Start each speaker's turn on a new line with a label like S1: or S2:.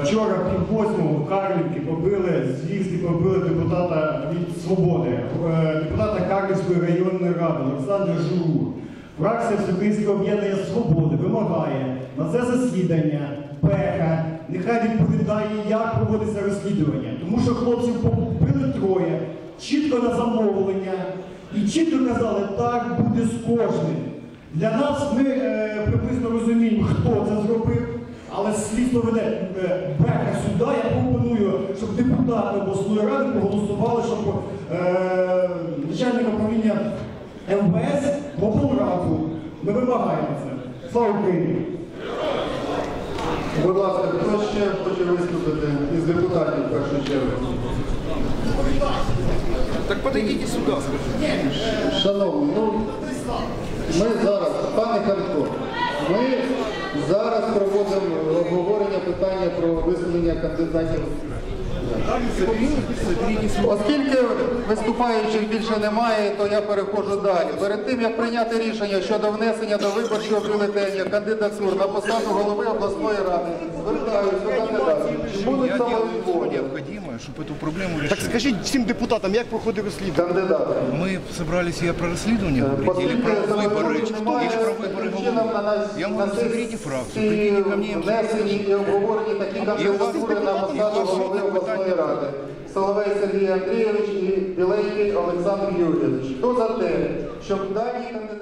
S1: Вчора пів-8 в Карлівці побили, звірськи побили депутата від «Свободи», депутата Карлівської районної ради Олександра Журур. Фракція Всеукраїнського об'єднання «Свободи» вимагає на це засідання Беха нехай відповідає, як проводиться розслідування. Тому що хлопців побили троє, чітко на замовлення і чітко казали, так буде з кожним. Для нас ми приблизно розуміємо, хто це зробив. Але слідство веде Беха сюди, я пропоную, щоб депутати обласної ради проголосували, щоб начальник управління МВС в облраду. Ми вимагаємо це. Слава Україні!
S2: Будь ласка, хто ще хоче виступити із депутатів в першу чергу?
S3: Так подойдите сюда, скажите.
S2: Шановні, ми зараз, пане Харко, ми зараз проводимо обговорення питання про висунення кандидатів. Оскільки виступаючих більше немає, то я переходжу далі. Перед тим, як прийняти рішення щодо внесення до виборчого бюлетеня кандидатур на посаду голови обласної ради, звертаюся до кандидатів. Чи будуть самовідводи?
S3: Чтобы эту проблему решить.
S4: Так скажіть всім депутатам, як проходить розслідування?
S2: Кандидати.
S3: Мы собрались я про расследование говорить, или про выборы, или про выборы головы. Я вам говорю, соберите фракцию, придите ко мне.
S2: Внесені і обговорені такі кандидатури на посаду голови обласної ради. Соловей Сергій Андрійович і Біленький Олександр Юрійович. Хто за те, щоб дані кандидати